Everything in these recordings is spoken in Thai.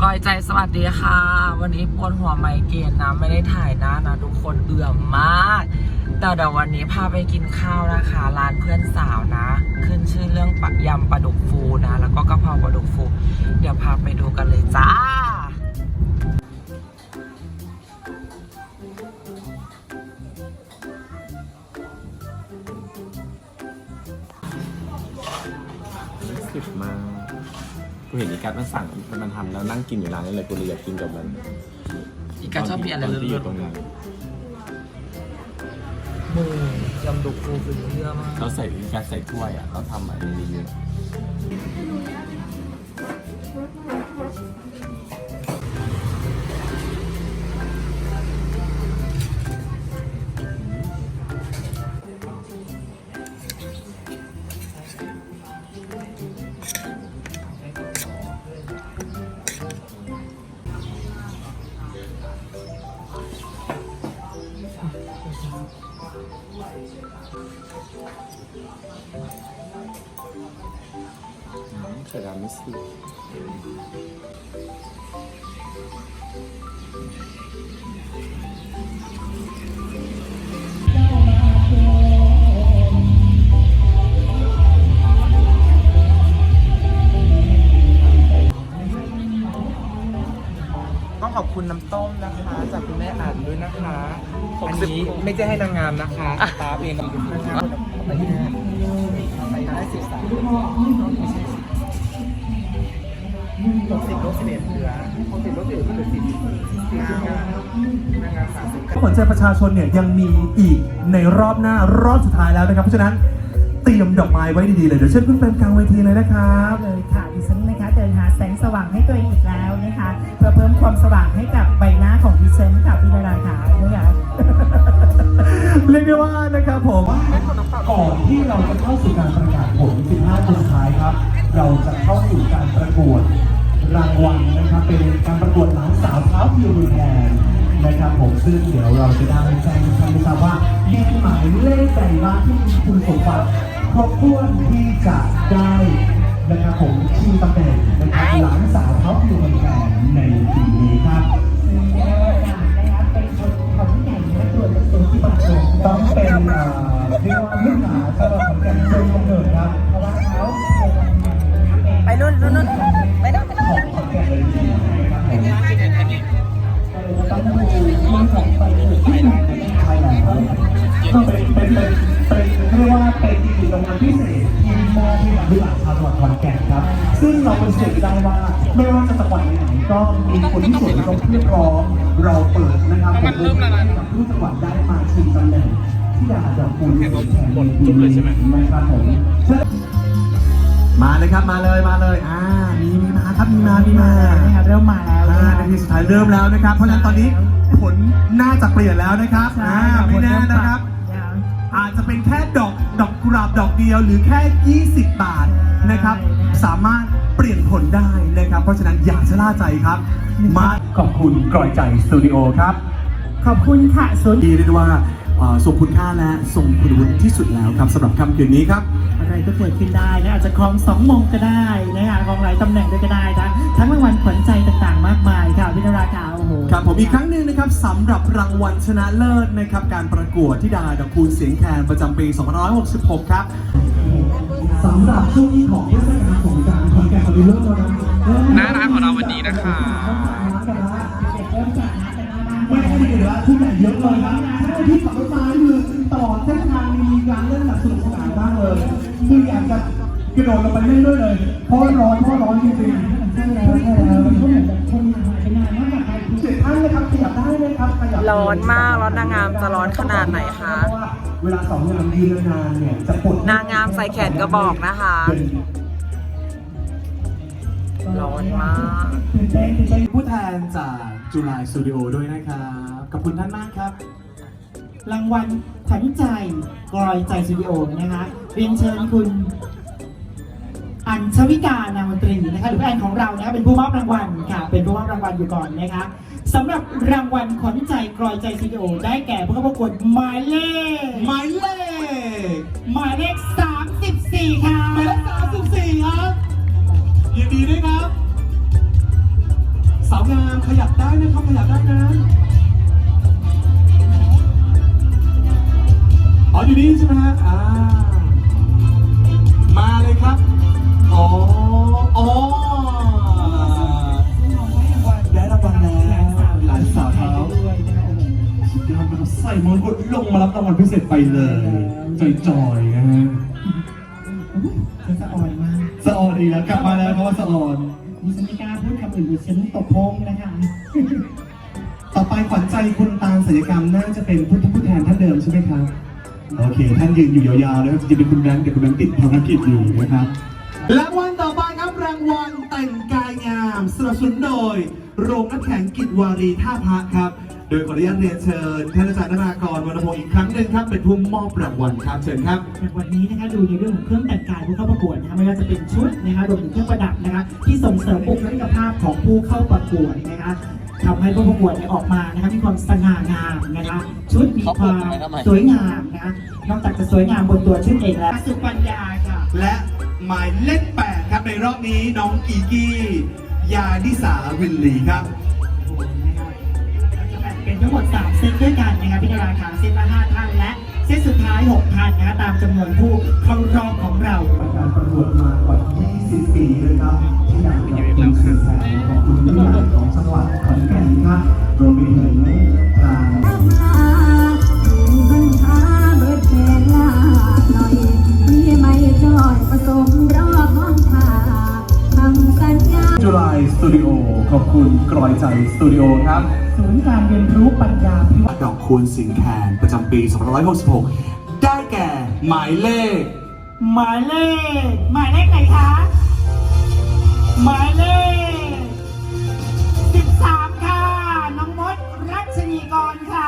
กอยใจสวัสดีค่ะวันนี้ปวดหัวไมเกรนนะไม่ได้ถ่ายหน้านะทุกคนเอื่อมมากแต่เดี๋ยววันนี้พาไปกินข้าวนะคะร้านเพื่อนสาวนะขึ้นชื่อเรื่องยำปลาดุกฟูนะแล้วก็กะเพราปลาดุกฟูเดี๋ยวพาไปดูกันเลยจ้าสิบมากกูเห็นอีกัสมันสั่งมันทำแล้วนั่งกินอยู่ร้านนี้เลยกูเลยอยากกินกับมันอีกาชอบมีอะไรเลือดๆตรงนั้นมือยำดุกฟูคือเยอะมากเราใส่อีกัสใส่ถ้วยอ่ะเราทำอะไรเยอะไข่ดาวไม่สิต้องขอบคุณน้ำต้มนะคะจากคุณแม่อ่านด้วยนะคะอันนี้ไม่ใช่ให้นางงามนะคะตาเองกับนางงามไปที่ไหนไปได้13ไม่ใช่60 ลบ 11เหลือ60 ลบ 11เหลือ10นางงาม30 หัวใจประชาชนเนี่ยยังมีอีกในรอบหน้ารอบสุดท้ายแล้วนะครับเพราะฉะนั้นเตรียมดอกไม้ไว้ดีๆเลยเดี๋ยวเชิญคุณแฟนกลางเวทีเลยนะครับเลยค่ะดิฉันนะคะเดินหาแสงสว่างให้ตัวเองอีกแล้วนะคะเพื่อเพิ่มความสว่างให้กับใบหน้าของดิฉันค่ะพี่นาราค่ะนะคะเรียกได้ว่านะครับผมก่อนที่เราจะเข้าสู่การประกาศผล 15 คนสุดท้ายครับ เราจะเข้าสู่การประกวดรางวัลนะครับเป็นการประกวดหลานสาวเท้าพิวรุนแรงนะครับผมซึ่งเดี๋ยวเราจะได้แจ้งให้ท่านทราบว่ามีหมายเลขใดบ้างที่มีคุณสมบัติครบถ้วนที่จะได้นะครับผมชิงตำแหน่งนะครับหลานสาวเท้าพิวรุนแรงในปีนี้ครับต้องเป็นเรียกว่าลูกหลานสำหรับของแกนเชิงกำเนิดครับเพราะว่าเขาไปนู่นไปนู่นไปนู่นของแกนเลยจริงนะครับผมต้องมีของไปถึงที่ไหนใช่แล้วก็เป็นเรียกว่าเป็นอีกรางวัลพิเศษที่มอบให้กับลูกหลานชาวจังหวัดขอนแก่นครับซึ่งเราเป็นเชื่อได้ว่าไม่ว่าจะจังหวัดไหนก็มีคนที่ส่วนตรงเรียกร้องเราเปิดนะครับผมให้กับทุกจังหวัดได้มาชิงตำแหน่งที่ดาดอกคูณแข่งจุ๊บเลยใช่ไหมครับผมมาเลยครับมาเลยมีมาครับมีมาเริ่มมาแล้วนาทีสุดท้ายเริ่มแล้วนะครับเพราะฉะนั้นตอนนี้ผลน่าจะเปลี่ยนแล้วนะครับไม่แน่นะครับอาจจะเป็นแค่ดอกกุหลาบดอกเดียวหรือแค่20 บาทนะครับสามารถเปลี่ยนผลได้นะครับเพราะฉะนั้นอย่าชะล่าใจครับมาขอบคุณกร่อยใจสตูดิโอครับขอบคุณค่ะส่วนดีเรียกว่าทรงคุณค่าและทรงคุณวุฒิที่สุดแล้วครับสำหรับค่ำคืนนี้ครับอะไรก็เกิดขึ้นได้นะอาจจะครอง2 มงก็ได้นะคะครองหลายตำแหน่งด้วยก็ได้นะทั้งรางวัลขวัญใจต่างๆมากมายค่ะพี่นราค่ะโอ้โหครับผมอีกครั้งหนึ่งนะครับสำหรับรางวัลชนะเลิศนะครับการประกวดธิดาดอกคูณเสียงแคนประจำปี2566ครับสำหรับช่วงนี้ของเทศกาลสงกรานต์ขอนแก่นเริ่มแล้วนะหน้าร้านของเราวันนี้นะคะไม่ได้เหลือทุกอย่างเยอะเลยครับที่ขับรถมาคือตลอดเส้นทางมีการเล่นแบบสนุกสนานมากเลยคืออยากจะกระโดดลงไปเล่นด้วยเลยเพราะร้อนจริงๆใช่แล้วมันก็เหมือนแบบคนหายไปนานมากเจ็ดท่านเลยครับขยับได้เลยครับร้อนมากแล้วนางงามจะร้อนขนาดไหนคะเวลา2 งานยืนนานเนี่ยจะปวดนางงามใส่แขนกระบอกนะคะร้อนมากผู้แทนจากจุฬาสตูดิโอด้วยนะครับขอบคุณท่านมากครับรางวัลขวัญใจกลอยใจสตูดิโอนะคะเรียนเชิญคุณอัญชวิกานามนตรีนะคะหรือแอนของเรานะคะเป็นผู้มอบรางวัลค่ะเป็นผู้มอบรางวัลอยู่ก่อนนะคะสำหรับรางวัลขวัญใจกลอยใจสตูดิโอได้แก่ผู้เข้าประกวดหมายเลข34ค่ะหมายเลข34ครับยินดีด้วยครับงามขยับได้นะครับขยับได้นะอ๋ออยู่นี่ใช่ไหมฮะมาเลยครับอ๋อได้รางวัลแล้วหลานสาวเขาสุดยอดมากใส่มงกุฎลงมารับรางวัลพิเศษไปเลยจอยๆนะฮะสะอ่อนมากสะออนอีกแล้วกลับมาแล้วเพราะว่าสะออนดิฉันไม่กล้าพูดคำอื่นดิฉันตบโพงนะคะต่อไปขวัญใจคุณตาลศัลยกรรมน่าจะเป็นผู้แทนท่านเดิมใช่ไหมครับโอเคท่านยืนอยู่ยาวๆแล้วจะเป็นคุณแบงค์แต่คุณแบงค์ติดภารกิจอยู่นะครับรางวัลต่อไปครับรางวัลแต่งกายงามสนับสนุนโดยโรงน้ำแข็งกิจวารีท่าพระครับโดยขออนุญาตเรียนเชิญท่านอาจารย์นภากรวรรณพงศ์อีกครั้งหนึ่งครับเป็นผู้มอบรางวัลครับเชิญครับวันนี้นะคะดูในเรื่องของเครื่องแต่งกายผู้เข้าประกวดนะคะไม่ว่าจะเป็นชุดนะคะรวมถึงเครื่องประดับนะคะที่ส่งเสริมบุคลิกภาพของผู้เข้าประกวดนะคะทำให้ผู้ประกวดเนี่ยออกมานะคะมีความสง่างามนะคะชุดมีความสวยงามนะคะนอกจากจะสวยงามบนตัวชุดเองแล้วสุปัญญาค่ะและหมายเลข8ครับในรอบนี้น้องอีกี้ยานิสาวินลีครับเป็นทั้งหมด3เซตด้วยกันนะคะพี่ดาราค่ะเซตละ5ท่านและเซตสุดท้าย6ท่านนะคะตามจำนวนผู้เข้ารอบของเราการประกวดมากว่า20 ปีเลยครับที่อยากจะเป็นสื่อสารของคุณผู้ใหญ่ของจังหวัดขอนแก่นครับรวมไปถึงทาง จุฬาสตูดิโอขอบคุณกรอยใจสตูดิโอครับศูนย์การเรียนรู้ปัญญาพิวัตรดอกคูณสิงแคนประจำปี 2566 ได้แก่หมายเลขหมายเลขไหนคะหมายเลข13ค่ะน้องมดรัชนีกรค่ะ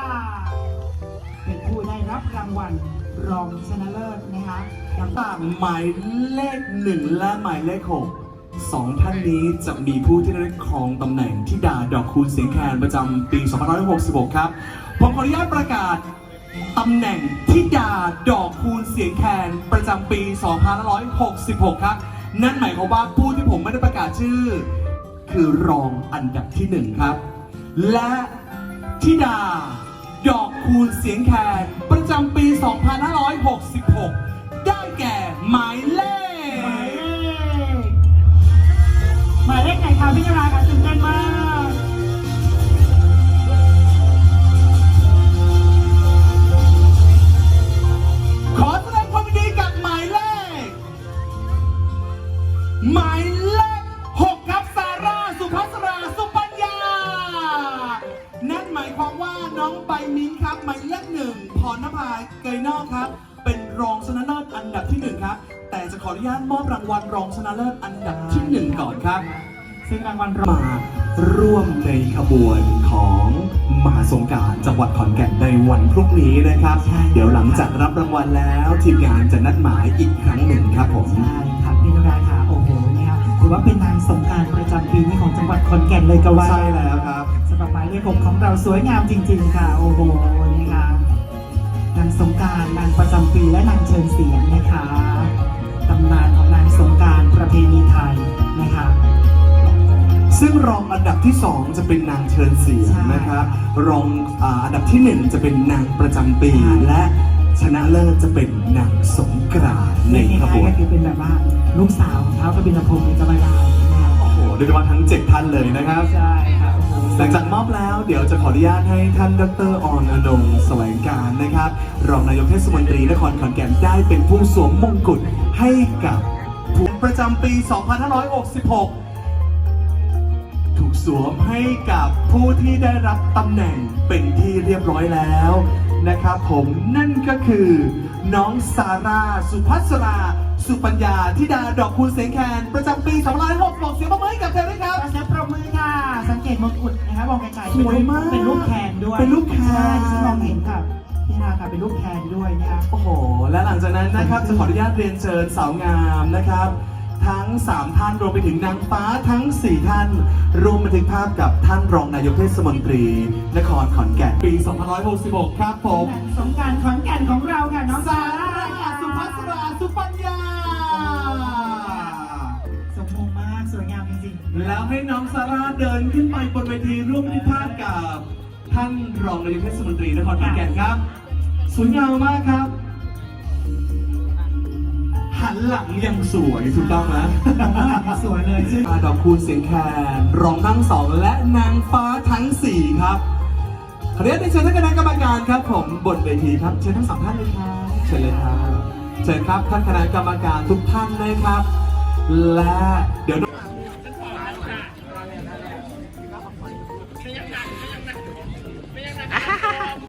เป็นผู้ได้รับรางวัลรองชนะเลิศนะคะอย่างต่างหมายเลข 1 และหมายเลข 6 2 ท่านนี้จะมีผู้ที่ได้ครองตำแหน่งธิดาดอกคูณเสียงแคนประจำปี 2566 ครับ ผมขออนุญาตประกาศตำแหน่งธิดาดอกคูณเสียงแคนประจำปี 2566 ครับ นั่นหมายความว่าผู้ที่ผมไม่ได้ประกาศชื่อ คือรองอันดับที่ 1 ครับ และธิดาดอกคูณเสียงแคนประจำปี 2566 ได้แก่หมายเลขหมายเลขไหนคะพี่ดาราคะตื่นเต้นมากขอแสดงความยินดีกับหมายเลข 6 ครับซาร่าสุภัสราสุปัญญา นั่นหมายความว่าน้องใบมิ้นครับหมายเลข 1 พรณภาเกยนอกครับ เป็นรองชนะเลิศอันดับที่ 1 ครับ แต่จะขออนุญาตมอบรางวัลรองชนะเลิศอันดับที่ 1 ก่อนครับซึ่งรางวัลมาร่วมในขบวนของมหาสงกรานต์จังหวัดขอนแก่นในวันพรุ่งนี้นะครับ เดี๋ยวหลังจากรับรางวัลแล้วทีมงานจะนัดหมายอีกครั้งหนึ่งครับผมใช่ค่ะพี่ดาราค่ะโอ้โหเนี่ยถือว่าเป็นนางสงกรานต์ประจำปีนี้ของจังหวัดขอนแก่นเลยก็ว่าใช่แล้วครับสำหรับหมายเลข 6ของเราสวยงามจริง ๆ ค่ะโอ้โหนี่ค่ะนางสงกรานต์นางประจำปีและนางเชิญเสียงนะคะตำนานของนางสงกรานต์ประเพณีไทยนะคะซึ่งรองอันดับที่ 2 จะเป็นนางเชิญเสียงนะครับ รองอันดับที่ 1 จะเป็นนางประจำปี และชนะเลิศจะเป็นนางสงกรานต์ในขบวนก็คือเป็นแบบว่าลูกสาวของเท้ากบินพงศ์ในจังหวัดได้นะคะโอ้โหโดยเฉพาะทั้ง 7 ท่านเลยนะครับใช่ค่ะโอ้โหหลังจากมอบแล้วเดี๋ยวจะขออนุญาตให้ท่านดร.ออนอนงค์แสวงการนะครับ รองนายกเทศมนตรีนครขอนแก่นได้เป็นผู้สวมมงกุฎให้กับผู้ประจำปี 2566 ถูกสวมให้กับผู้ที่ได้รับตำแหน่งเป็นที่เรียบร้อยแล้วนะครับผมนั่นก็คือน้องซาร่าสุภัสราสุปัญญาธิดาดอกคูณเสียงแคนประจำปี 2566 เสียงปรบมือให้กับเธอด้วยครับขอเสียงปรบมือค่ะสังเกตมงกุฎนะคะมองไกลๆสวยมากเป็นรูปแคนด้วยเป็นรูปแคนใช่ฉันมองเห็นค่ะพี่นาค่ะเป็นรูปแคนด้วยนะคะโอ้โห และหลังจากนั้นนะครับจะขออนุญาตเรียนเชิญสาวงามนะครับ ทั้ง 3 ท่านรวมไปถึงนางฟ้าทั้ง 4 ท่านรวมบันทึกภาพกับท่านรองนายกเทศมนตรีนครขอนแก่นปี 2566 ครับผมสงกรานต์ขอนแก่นของเราค่ะน้องซาร่าสุภัสราสุปัญญาสมมงมากสวยงามจริงแล้วให้น้องซาร่าเดินขึ้นไปบนเวทีร่วมพิพาทกับท่านรองนายกเทศมนตรีนครขอนแก่นครับสวยงามมากครับ หันหลังยังสวยถูกต้องไหมๆสวยเลยซึ่งดอกคูณเสียงแคนรองทั้งสองและนางฟ้าทั้งสี่ครับขออนุญาตเชิญท่านคณะกรรมการครับผมบนเวทีครับเชิญทั้งสองท่านเลยครับเชิญเลยครับเชิญครับท่านคณะกรรมการทุกท่านเลยครับ และเดี๋ยว